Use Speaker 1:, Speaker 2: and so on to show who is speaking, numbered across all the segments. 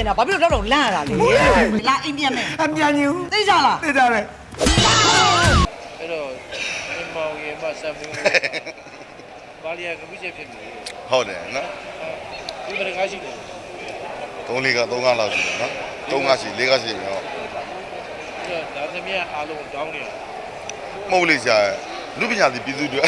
Speaker 1: ပြင်တာဘာဖြစ်လို့တော့လန့်ရတာလဲလာအိမ်ပြန်မယ်
Speaker 2: အမြန်ကြီး
Speaker 1: သိကြလား
Speaker 2: သိကြတယ်
Speaker 3: အဲ့တော့အမောင်ရေမဆမ်မင်းဘာလီယာကပြည့်ချက်ဖြစ်နေ
Speaker 4: ဟုတ်တယ်နော်
Speaker 3: ဒီမရကားရှိတယ်
Speaker 4: 3 4 3 5လောက်ရှိတယ်နော်3 5ရှိ4 5ရှိပြီဟုတ်
Speaker 3: အဲ့တော့ဒါသမီးအားလုံးတောင်းနေရ
Speaker 4: မဟုတ်လေဆရာလူပညာသည်ပြည်သူတွေ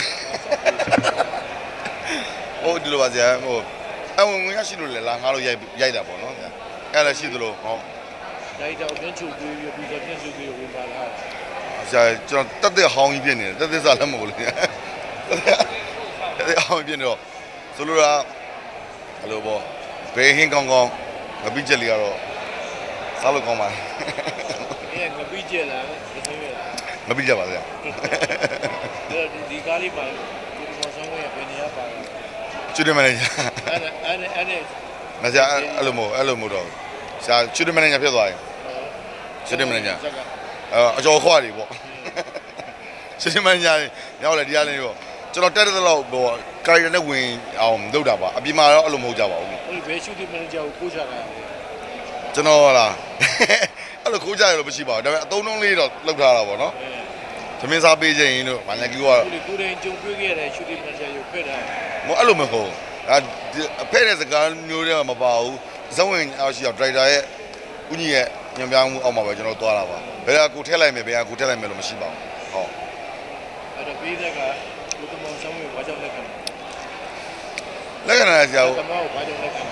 Speaker 4: ဟိုဒီလိုပါဆရာဟိုအဝင်ဝင်ရရှိလို့လေလာငါတို့ရိုက်တာပေါ့နော်ဆရာအဲ့လည်းရှိသလိုဟော
Speaker 3: ဒါကြောင့်ပြန်ချုပ်ပြီးပြီးတော့ပြန်စုပြီးဝင်ပါလာ
Speaker 4: ဆရာကျွန်တော်တက်တဲ့ဟောင်းကြီးဖြစ်နေတယ်တက်တဲ့စားလည်းမဟုတ်လို့ဆရာတက်တဲ့ဟောင်းဖြစ်နေတော့ဆိုလိုတာအဲ့လိုပေါ့ဘယ်ဟင်းကောင်းကောင်းငပိချက်လေးကတော့စားလို့ကောင်းပါလေ
Speaker 3: အဲ့ငပိကျက်လာသမီးရ
Speaker 4: ငပိချက်ပါဆရာ
Speaker 3: အဲ့ဒီကားလေးမှာဒီမောင်ဆောင်ရဲ့ဘယ်နေရာပါလဲ
Speaker 4: ကျွတ်တယ်မနေဂျာ
Speaker 3: အဲ့
Speaker 4: မဆရာအဲ့လိုမဟုတ်တော့ဆရာကျွတ်တယ်မနေဂျာဖြစ်သွားရင်ကျွတ်တယ်မနေဂျာအကျော်ခွားတွေပေါ့ကျွတ်တယ်မနေဂျာရောက်လေဒီအားလေးပေါ့ကျွန်တော်တက်တဲ့လောက်ပေါ့ကာရီနဲ့ဝင်အောင်လုပ်တာပါအပြင်မှာတော့အဲ့လိုမဟုတ်ကြပါဘူး
Speaker 3: ဟိုဘယ်ရှူတင်မန်နေဂျာကိုကိုချတာ
Speaker 4: ကျွန်တော်လားအဲ့လိုခိုးကြရလို့မရှိပါဘူးဒါပေမဲ့အသုံးနှုန်းလေးတော့လောက်ထားတာပေါ့နော်သမင်းစားပေးခြင်းတို့ဗာလက်ကူကတော့
Speaker 3: ကိုရင်ကြုံတွေ့ခဲ့တဲ့ရှူတင်မန်နေဂျာကိုဖက်တာ
Speaker 4: မအဲ့လိုမဟုတ်အဖဲ့တဲ့စကားမျိုးတွေမပါဘူးဇဝင်အောင်ရှိတော့ဒရိုက်တာရဲ့ဦးကြီးရဲ့ညံပြမှုအောက်မှာပဲကျွန်တော်သွားတာပါဘယ်ကကိုထည့်လိုက်မယ်ဘယ်ကကိုထည့်လိုက်မယ်လို့မရှိပါဘူးဟုတ်
Speaker 3: အဲ့တော့ပြီးတဲ့ကကိုတမောင်ဆောင်ရဲ့ဘာကြောင့်လက်ခံ
Speaker 4: လက္ခဏာဆရာ
Speaker 3: တမောင်ဘာကြောင့်လက်ခံ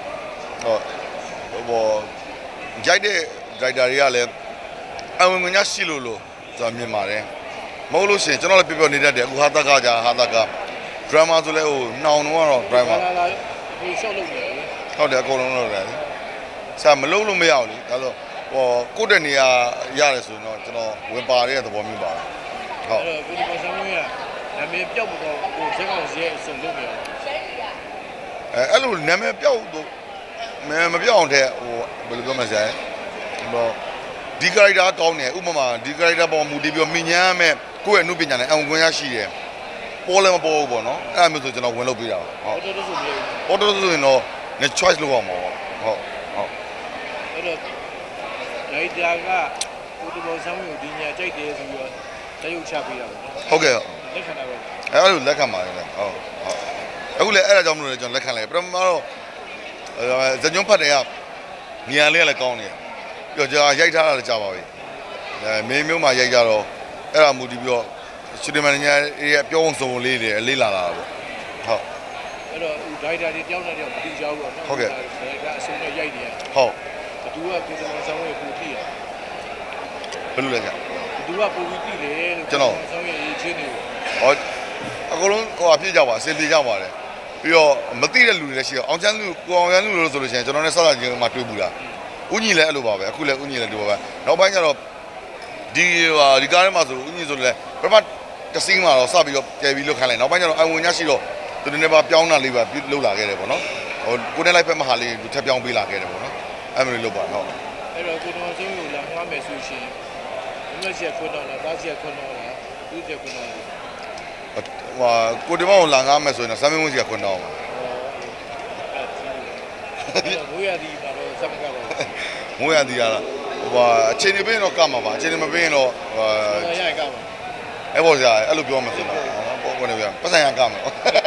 Speaker 4: ဟုတ်ဘောရိုက်တဲ့ဒရိုက်တာတွေကလည်းအဝင်ငွေရှိလို့ကျွန်တော်မြင်ပါတယ်မဟုတ်လို့ရှိရင်ကျွန်တော်လည်းပြောနေတတ်တယ်အခုဟာတကကြာဟာတကဒရမာဆိုလဲဟိုနှောင်တော့ဒရိုင်မာ
Speaker 3: လာဒီရှော့လုပ်နေတယ်
Speaker 4: ဟုတ်တယ်အကုန်လုံးလုပ်တယ်ဆရာမလုပ်လို့မရဘူးလေဒါဆိုဟောကိုယ့်တဲ့နေရာရတယ်ဆိုတော့ကျွန်တော်ဝင်ပါတဲ့သဘောမျိုးပါဟုတ်
Speaker 3: အဲ့တော့ကိုတမောင်ဆောင်ရဲ့နာမည်ပြောက်တော့ကိုစက်ကောင်စီရဲ့အစုံလုပ်နေတယ်
Speaker 4: အဲ့လိုနာမည်ပြောက်တော့မပြောက်အောင်တဲ့ဟိုဘယ်လိုပြောမလဲဆရာဟိုဒီကာရိုက်တာကောင်းတယ်ဥပမာဒီကာရိုက်တာပေါ်မူတည်ပြီးမြင်ညာမဲ့ကိုယ့်ရဲ့အမှုပညာနဲ့အဝင်ခွင့်ရရှိတယ်ပေါ်လည်းမပေါ်ဘူးပေါ့နော်အဲ့ဒါမျိုးဆိုကျွန်တော်ဝင်လုပ်ပေးတာဟုတ်
Speaker 3: တော်တော်ဆိုပြီး
Speaker 4: ပေါ်တော့ဆိုရင်တော့ ne choice လုပ်အောင်ပါဟုတ်ဟုတ်
Speaker 3: အဲ့တော့ဒိုင်တာကကိုတမောင်ဆောင်ကိုဒီညာကြိုက်တယ်ဆိုပြီးတော့တရုတ်ချပေးတာပေါ့နော်
Speaker 4: ဟုတ်ကဲ့
Speaker 3: လက်ခံတာပဲ
Speaker 4: အဲ့လိုလက်ခံပါတယ်ဟုတ်ဟုတ်အခုလည်းအဲ့ဒါကြောင့်မလို့လေကျွန်တော်လက်ခံလိုက်ပထမတော့ဇညွန်းဖတ်တယ်ကနေရာလေးကလည်းကောင်းနေတယ်ပြီးတော့ကြာရိုက်ထားတာလည်းကြာပါပြီမင်းမျိုးမှရိုက်ကြတော့အဲ့ဒါမူတည်ပြီးတော့စတူဒီယိုမန်ညာရဲ့ပြောင်းစုံလေးတွေလေးလာတာပေါ့ဟုတ်
Speaker 3: အဲ့တော့ဒိုင်တာတွေတယောက်နဲ့တယောက်မတူကြဘူးပေါ့နော်ဒါကအစုံနဲ့ရိုက်နေရ
Speaker 4: ဟုတ်
Speaker 3: ဘသူကကိုတမောင်ဆောင်ရဲ့ကိုတိရ
Speaker 4: ဘယ်လိုလဲကြာ
Speaker 3: ဘသူကကိုပြီးတိတယ်လို့ဆောင်ရဲ့ရေးချင်းတွေ
Speaker 4: ဟောအကုန်လုံးဟိုအပြည့်ကြပါအစင်ပြေကြပါတယ်ပြီးတော့မသိတဲ့လူတွေလည်းရှိတော့အောင်ချမ်းလူကိုအောင်ချမ်းလူလို့ဆိုလို့ရှိရင်ကျွန်တော်နဲ့ဆက်လာချင်းမှတွေ့ဘူးလားဦးညီလည်းအဲ့လိုပါပဲအခုလည်းဦးညီလည်းဒီပါပဲနောက်ပိုင်းကျတော့ဒီကားထဲမှာဆိုဦးညီဆိုလည်းပထမတစင်းမှာတော့စပြီးတော့ကျယ်ပြီးလွတ်ခိုင်းလိုက်နောက်ပိုင်းကျတော့အဝင်ညရှိတော့သူတွေနဲ့ပါပြောင်းတာလေးပါလှုပ်လာခဲ့တယ်ပေါ့နော်ဟိုကိုနဲ့လိုက်ဖက်မဟာလေးသူထပ်ပြောင်းပေးလာခဲ့တယ်ပေါ့နော်အဲ့လိုလုပ်ပါတော့
Speaker 3: အဲ့တော့ကိုတော်ဆုံးကိုလာငှားမယ်ဆိုရှင်ဘယ်လိုချက်ခွန်းတော့လားသားချက်ခွန်းတော့လားသူ့ချက်ခွန်းတော့လား
Speaker 4: ဟိုကိုဒီမောင်လာငားမယ်ဆိုရင်တော့စမ်းမင်းဝင်းစီကခွန်းတော့ပါ
Speaker 3: ဘိုးရသည်မှာတော့စက်မကတော့
Speaker 4: မိုးရသည်ရလားဟိုအချိန်နေပေးရင်တော့ကမှာပါအချိန်နေမပေးရင်တော့
Speaker 3: ရရကပါ
Speaker 4: အဲ့ပေါ်ကြအဲ့လိုပြောမှဆိုတော့ပေါ့ကနေပြန်ပတ်ဆိုင်ရကမှာ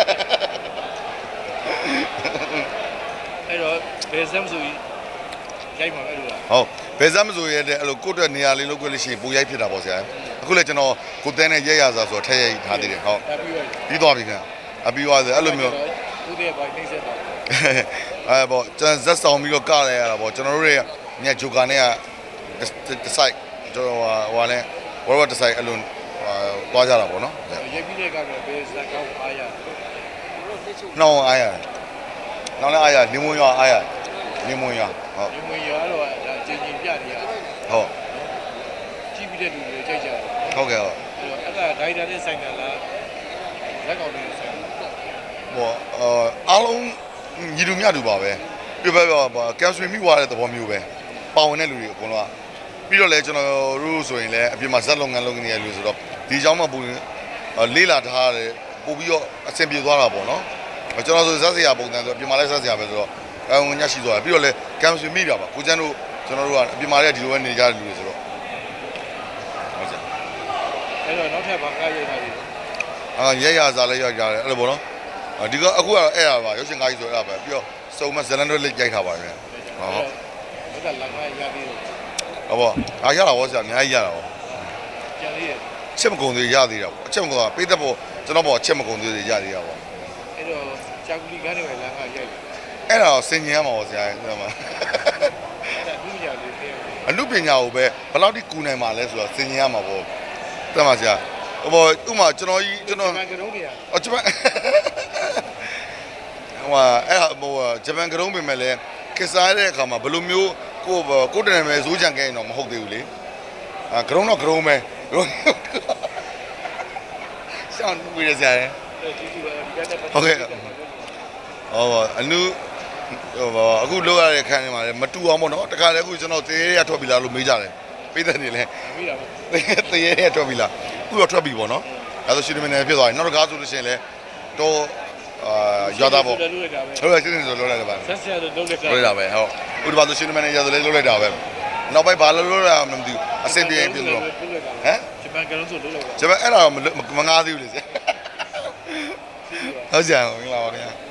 Speaker 3: အဲ့တော့ဘယ်စမ်းဆိုရိုက်မှာပဲလို့လား
Speaker 4: ဟုတ်ဘယ်စမ်းမဆိုရတဲ့အဲ့လိုကိုယ့်အတွက်နေရာလေးလုပ်ခွင့်လို့ရှိရင်ပူရိုက်ဖြစ်တာပေါ့ဆရာအခုလည်းကျွန်တော်ကိုတဲနဲ့ရက်ရစားဆိုတော့ထည့်ရိုက်ထားသေးတယ်ဟုတ်
Speaker 3: ပြီးတော့
Speaker 4: ပြီးသွားပြီခင်အပြီးသွားတယ်အဲ့လိုမျိုး
Speaker 3: ဦးတဲ့ဘိုင်းနှိမ့်ဆက်တာ
Speaker 4: အဲ့ပေါ့ကျွန်တော်ဇက်ဆောင်ပြီးတော့ကရရတာပေါ့ကျွန်တော်တို့ရဲ့ညဂျိုကာနဲ့ကတစ်ဆိုင်ကျွန်တော်ဟိုနဲ့ဝရဝတ်တစ်ဆိုင်အဲ့လိုသွားကြတာပေါ့နော်
Speaker 3: ရိုက်ပြီးတဲ့ကတော့ဘယ်စက်ကောင်းအားရ
Speaker 4: နှောင်းအားရနှောင်းလည်းအားရနေမွန်ရွာအားရနေမွန်ရွာဟုတ်
Speaker 3: ဒီမွေရောတော့ဒါချင်းချင်းပြနေရ
Speaker 4: ဟုတ်
Speaker 3: ကြည့်ပြီးတဲ့လူတွေကြိုက်ကြတယ်
Speaker 4: ဟုတ်ကဲ့ဟုတ်
Speaker 3: အဲ့တော့အဲ့ဒါဒိုင်တာနဲ့ဆိုင်တာလားလက်ကောင်တွေဆိုင်တာ
Speaker 4: ဟိုအားလုံးညီလူမျှတူပါပဲပြပြကင်ဆယ်မိသွားတဲ့သဘောမျိုးပဲပါဝင်တဲ့လူတွေအကုန်လုံးပြီးတော့လဲကျွန်တော်တို့ဆိုရင်လည်းအပြင်မှာဇက်လုပ်ငန်းလုပ်နေရလူဆိုတော့ဒီเจ้าမှာပူလေးလာထားတယ်ပို့ပြီးတော့အဆင်ပြေသွားတာပေါ့နော်ကျွန်တော်ဆိုဇက်စရာပုံစံဆိုအပြင်မှာလည်းဇက်စရာပဲဆိုတော့ဝင်ညရှိသွားပြီးတော့လေကမ်ဆွေမိတာပါကိုကျန်းတို့ကျွန်တော်တို့ကအပြင်မာတွေကဒီလိုပဲနေကြတဲ့လူတွေဆိုတော့ဟုတ်ကဲ့
Speaker 3: အဲ့တော့နောက်ထပ်ဘာကားရိုက်တာလဲ
Speaker 4: ရဲရစားလဲရကြတယ်အဲ့လိုပေါ့နော်ဒီကအခုကတော့အဲ့ရပါရုပ်ရှင်ကားကြီးဆိုအဲ့ဒါပဲပြီးတော့စုံမဇလန်တို့လေးရိုက်ထားပါဗျာဟုတ်
Speaker 3: ဒါကလာခါရပြီးတော့
Speaker 4: ဟုတ်ပါအားရတာဗောဆရာအများကြီးရတာဗော
Speaker 3: ကျန်သေးရဲ့
Speaker 4: ချက်မကုန်သေးရသေးတာဗောအချက်မကုန်တာပေးသက်ဗောကျွန်တော်ဗောအချက်မကုန်သေးရသေးတာဗော
Speaker 3: အဲ့တော့ဂျာကူလီကားတွေပဲလာခါရိုက်တယ်
Speaker 4: အဲ့ဒါဆင်ញင်ရမှာဗောဆရာအဲ့ဒါမှ
Speaker 3: အဲ့ဒါလူညာလေးသိရတယ်
Speaker 4: အမှုပညာကိုပဲဘယ်လောက်ထိကူနိုင်မှာလဲဆိုတော့ဆင်ញင်ရမှာဗောတတ်ပါဆရာဟိုဥမာကျွန်တော်ကြီးကျွန်တော်
Speaker 3: ကရုံးနေရ
Speaker 4: အော်ဂျပန်ဟိုအဲ့ဟိုဂျပန်ကရုံးပြင်မဲ့လဲကစားတဲ့အခါမှာဘယ်လိုမျိုးကိုတနေမဲ့ဇိုးချန်ခဲ့ရင်တော့မဟုတ်သေးဘူးလေကရုံးတော့ကရုံးပဲရှောင်းဝေးရစရာ
Speaker 3: ဒီဒီပါဒီကတည်းက
Speaker 4: ဟုတ်ကဲ့အနုအခုလောက်ရတဲ့ခန်းထဲမှာလည်းမတူအောင်ပေါ့နော်တခါလေအခုကျွန်တော်တရေရထွက်ပြီလားလို့မေးကြတယ်ပေးတဲ့နေလဲ
Speaker 3: ပြီးတာပါ
Speaker 4: တရေရထွက်ပြီလားအခုတော့ထွက်ပြီပေါ့နော်အဲဆိုရှင်မင်းနယ်ဖြစ်သွားပြီနောက်တစ်ကားဆိုလို့ရှိရင်လည်းတော့ရွာသားပေါ့
Speaker 3: လုပ်လိုက်တာပဲ
Speaker 4: ဟုတ်ကဲ့ရှင်းနေဆိုလို့လိုက်တယ်ပါ
Speaker 3: ဆက်ဆက်လုပ်လိုက်တာ
Speaker 4: လို့ရတာပဲဟုတ်ဥပမာဆိုရှင်မင်းနယ်ရဆိုလည်းလုပ်လိုက်တာပဲနောက်ပိုင်းဘာလို့ရမသိဘူးအဆင်ပြေပြီလို့ဟမ်
Speaker 3: ဂျပန်ကရုံးဆိုလုပ်လိုက်တာ
Speaker 4: ကျွန်မအဲ့ဒါမငားသေးဘူးလေဆရာဟုတ်ကြအောင်မင်္ဂလာပါခင်ဗျာ